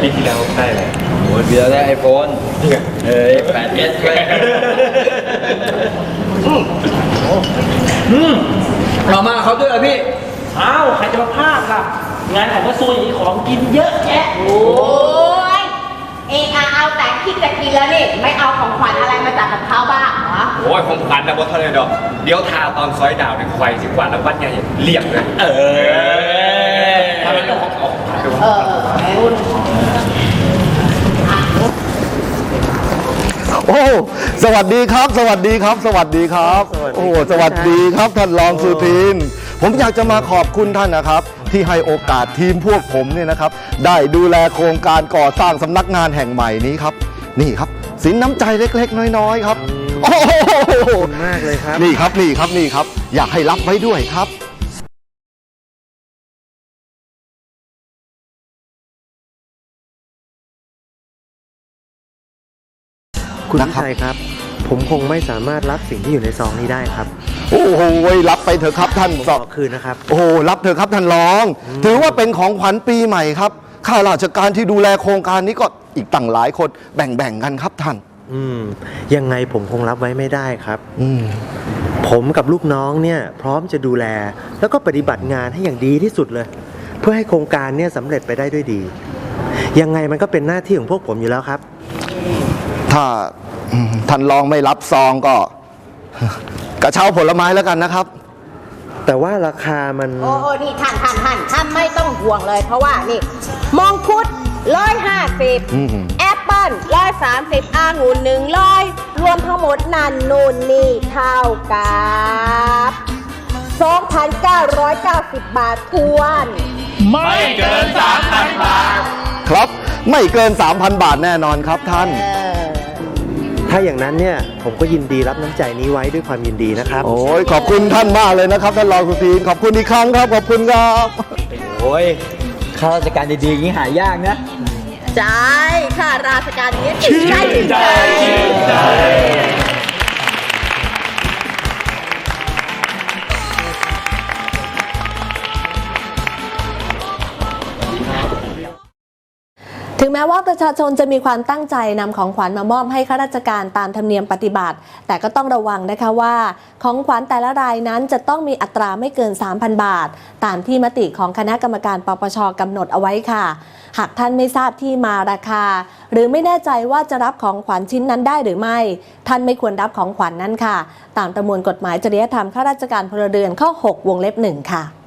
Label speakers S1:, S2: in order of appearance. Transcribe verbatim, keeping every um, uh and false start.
S1: ปีที่แล้วได้เลย
S2: โอ้ยปีแล้วได้ไอโฟนเอ้ยแปดเอสด้วยเรามาเขาด้วยเหรอพี่
S1: อ้าวใครจะมาพลาดล่ะงานของกระทรวงอย่างนี้ของกินเยอะแยะ
S3: โอ้ยเออาเอาแต่คิดจะกินแล้วนี่ไม่เอาของขวัญอะไรมาจากกับเขาบ้างเหรอ
S2: โอ้ยของขวัญนะบอสเท่าไรดอกเดี๋ยวทาตอนซอยดาวในไฟสิกว่าแล้ววัดใหญ่เรียบเลยเออทำไมต้องของของ
S3: เออ
S4: โอ้สวัสดีครับสวัสดีครับสวัสดีครับโอ้สวัสดีครับท่านรองสุทินผมอยากจะมาขอบคุณท่านนะครับที่ให้โอกาสทีมพวกผมเนี่ยนะครับได้ดูแลโครงการก่อสร้างสำนักงานแห่งใหม่นี้ครับนี่ครับสินน้ำใจเล็กๆน้อยๆครับโอ้โห
S1: มากเลยครับ
S4: นี่ครับนี่ครับนี่ครับอยากให้รับไว้ด้วยครับ
S1: คุณวิชัยครับผมคงไม่สามารถรับสิ่งที่อยู่ในซองนี้ได้ครับ
S4: โอ้โหรับไปเถอะครับท่าน
S1: ขอคืนนะครับ
S4: โอ้รับเถอะครับท่านรองถือว่าเป็นของขวัญปีใหม่ครับข้าราชการที่ดูแลโครงการนี้ก็อีกตั้งหลายคนแบ่งๆกันครับท่าน
S1: อืมยังไงผมคงรับไว้ไม่ได้ครับ
S4: อืม
S1: ผมกับลูกน้องเนี่ยพร้อมจะดูแลแล้วก็ปฏิบัติงานให้อย่างดีที่สุดเลยเพื่อให้โครงการเนี่ยสำเร็จไปได้ด้วยดียังไงมันก็เป็นหน้าที่ของพวกผมอยู่แล้วครับ
S4: ถ้าท่านรองไม่รับซองก็กระเช้าผลไม้แล้วกันนะครับ
S1: แต่ว่าราคามัน
S3: โอ้โอ้นี่ท่านท่านท่านท่านไม่ต้องห่วงเลยเพราะว่านี่มงคุดร้อยห้าสิบแอปเปิ้ลร้อยสามสิบองุ่นหนึ่งร้อยรวมทั้งหมดนั่นนู่นนี่เท่ากับสองพันเก้าร้อยเก้าสิบบาททวน
S2: ไม่เกิน สามพัน บาท
S4: ครับไม่เกิน สามพัน บาทแน่นอนครับท่าน
S1: ถ้าอย่างนั้นเนี่ยผมก็ยินดีรับน้ำใจนี้ไว้ด้วยความยินดีนะครับ
S4: โอ้ยขอบคุณท่านมากเลยนะครับท่านรองสุทินขอบคุณอีกครั้งครับขอบคุณครับ
S2: โอ้ยข้าราชการดีๆอย่างนี้หายากนะ
S3: ใช่ข้าราชการนี้ชื่นใจชื่นใจ
S5: ถึงแม้ว่าประชาชนจะมีความตั้งใจนำของขวัญมามอบให้ข้าราชการตามธรรมเนียมปฏิบัติแต่ก็ต้องระวังนะคะว่าของขวัญแต่ละรายนั้นจะต้องมีอัตราไม่เกิน สามพัน บาทตามที่มติของคณะกรรมการปปช.กำหนดเอาไว้ค่ะหากท่านไม่ทราบที่มาราคาหรือไม่แน่ใจว่าจะรับของขวัญชิ้นนั้นได้หรือไม่ท่านไม่ควรรับของขวัญนั้นค่ะตามประมวลกฎหมายจริยธรรมข้าราชการพลเรือนข้อหกวงเล็บหนึ่งค่ะ